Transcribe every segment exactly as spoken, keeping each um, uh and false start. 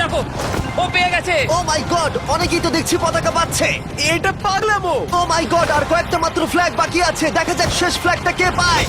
দেখো, ও পেয়ে গেছে। ও মাই গড, অনেকেই তো দেখছি পতাকা পাচ্ছে। এটা পাগলামো। ও মাই গড, আর কয়েকটা মাত্র ফ্ল্যাগ বাকি আছে। দেখা যাক শেষ ফ্ল্যাগটা কে পায়।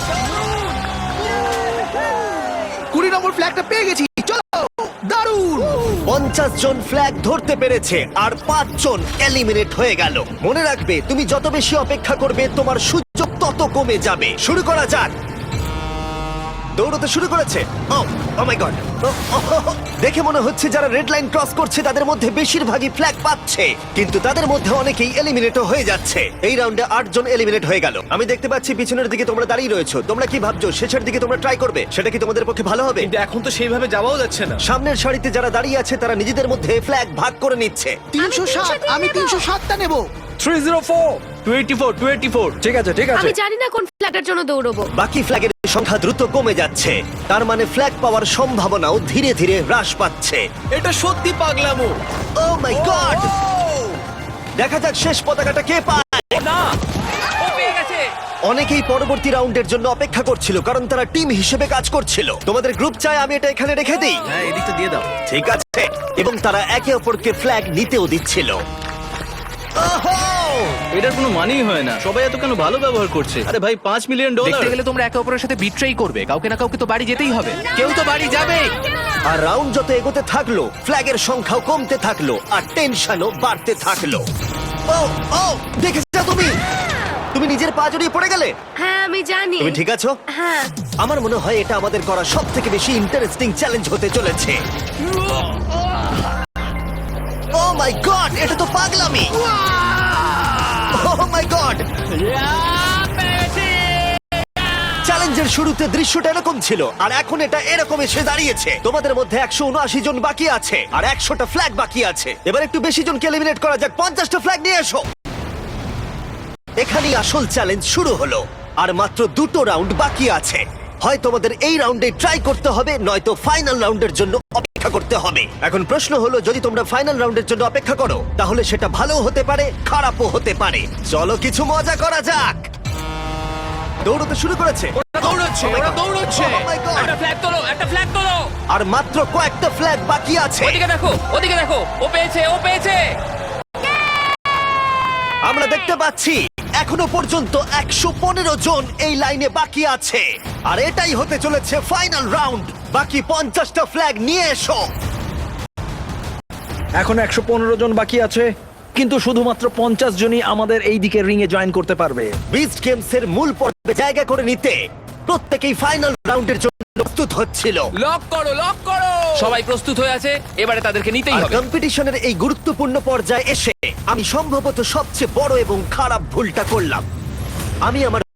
কুড়ি নম্বর ফ্ল্যাগটা পেয়ে গেছি, চলো। দারুণ। পঞ্চাশ জন ফ্ল্যাগ ধরতে পেরেছে আর পাঁচ জন এলিমিনেট হয়ে গেল। মনে রাখবে, তুমি যত বেশি অপেক্ষা করবে তোমার সুযোগ তত কমে যাবে। শুরু করা যাক। দৌড়তে শুরু করেছে। ও ও মাই গড, দেখে মনে হচ্ছে যারা রেড লাইন ক্রস করছে তাদের মধ্যে বেশিরভাগই ফ্ল্যাগ পাচ্ছে, কিন্তু তাদের মধ্যে অনেকেই এলিমিনেটও হয়ে যাচ্ছে। এই রাউন্ডে আট জন এলিমিনেট হয়ে গেল। আমি দেখতে পাচ্ছি পিছনের দিকে তোমরা দাঁড়িয়ে রয়েছো। তোমরা কি ভাবছো শেষের দিকে তোমরা ট্রাই করবে? সেটা কি তোমাদের পক্ষে ভালো হবে? কিন্তু এখন তো সেইভাবে যাওয়াও যাচ্ছে না। সামনের সারিতে যারা দাঁড়িয়ে আছে তারা নিজেদের মধ্যে ফ্ল্যাগ ভাগ করে নিচ্ছে। তিনশো ষাট, আমি তিনশো ষাটটা নেবো। Three zero four twenty four twenty four ঠিক আছে ঠিক আছে আমি জানি না কোন ফ্ল্যাগটার জন্য দৌড়বো। বাকি ফ্ল্যাগের সংখ্যা দ্রুত কমে যাচ্ছে, তার মানে ফ্ল্যাগ পাওয়ার সম্ভাবনাও ধীরে ধীরে হ্রাস পাচ্ছে। এটা সত্যি পাগলামো। ও মাই গড, দেখা যাক শেষ পতাকাটা কে পায়। না, ও পেয়ে গেছে। অনেকেই পরবর্তী রাউন্ডের জন্য অপেক্ষা করছিল, কারণ তারা টিম হিসেবে কাজ করছিল। তোমাদের গ্রুপ চাই আমি এটা এখানে রেখে দিই? হ্যাঁ, এদিকটা দিয়ে দাও। ঠিক আছে। এবং তারা একে অপরকে ফ্ল্যাগ নিতেও দিচ্ছিল। ওহো! এটার কোনো মানেই হয় না, সবাই এত কেন ভালো ব্যবহার করছে। আরে ভাই, পাঁচ মিলিয়ন ডলার। দেখতে গেলে তোমরা একে অপরের সাথে বিট্রেই করবে। কাউকে না কাউকে তো বাড়ি যেতেই হবে। কেউ তো বাড়ি যাবে। আর রাউন্ড যত এগোতে থাকলো ফ্ল্যাগের সংখ্যাও কমতে থাকলো আর টেনশনও বাড়তে থাকলো। ও ও দেখেছো তুমি? তুমি নিজের পা জড়িয়ে পড়ে গেলে। হ্যাঁ আমি জানি। তুমি ঠিক আছো? হ্যাঁ। আমার মনে হয় এটা আমাদের করা সব থেকে বেশি ইন্টারেস্টিং চ্যালেঞ্জ হতে চলেছে। ও মাই গড, এটা তো পাগলামি। ও মাই গড, চ্যালেঞ্জের শুরুতে দৃশ্যটা এরকম ছিল আর এখন এটা এরকম এসে দাঁড়িয়েছে। তোমাদের মধ্যে একশো উনআশি জন বাকি আছে আর একশোটা ফ্ল্যাগ বাকি আছে। এবার একটু বেশি জনকে এলিমিনেট করা যাক। পঞ্চাশটা ফ্ল্যাগ নিয়ে এসো। এখানেই আসল চ্যালেঞ্জ শুরু হলো আর মাত্র দুটো রাউন্ড বাকি আছে। হয় তোমাদের এই রাউন্ডে ট্রাই করতে হবে, নয়তো ফাইনাল রাউন্ডের জন্য অপেক্ষা করতে হবে। এখন প্রশ্ন হলো, যদি তোমরা ফাইনাল রাউন্ডের জন্য অপেক্ষা করো তাহলে সেটা ভালো হতে পারে, খারাপও হতে পারে। চলো কিছু মজা করা যাক। দৌড়তে শুরু করেছে। ওরা দৌড়চ্ছে, Oh my ওরা God! দৌড়চ্ছে। Oh my God! একটা ফ্ল্যাগ তোলো, একটা ফ্ল্যাগ তোলো। আর মাত্র কয়েকটা ফ্ল্যাগ বাকি আছে। ওদিকে দেখো, ওদিকে দেখো, ও পেয়েছে, ও পেয়েছে। আমরা দেখতে পাচ্ছি এখনো পর্যন্ত একশো পনেরো জন এই লাইনে বাকি আছে আর এটাই হতে চলেছে ফাইনাল রাউন্ড। বাকি পঞ্চাশটা ফ্ল্যাগ নিয়ে এসো। এখন একশো পনেরো জন বাকি আছে, কিন্তু শুধুমাত্র পঞ্চাশ জনই আমাদের এই দিকের রিং এ জয়েন করতে পারবে। বিস্ট গেমস এর মূল পর্বে জায়গা করে নিতে প্রত্যেকেই ফাইনাল রাউন্ডের জন্য প্রস্তুত হচ্ছিল। লক করো, লক করো। সবাই প্রস্তুত হয়ে আছে, এবারে তাদেরকে নিতেই আর হবে। কম্পিটিশনের এই গুরুত্বপূর্ণ পর্যায়ে এসে আমি সম্ভবত সবচেয়ে বড় এবং খারাপ ভুলটা করলাম। আমি আমার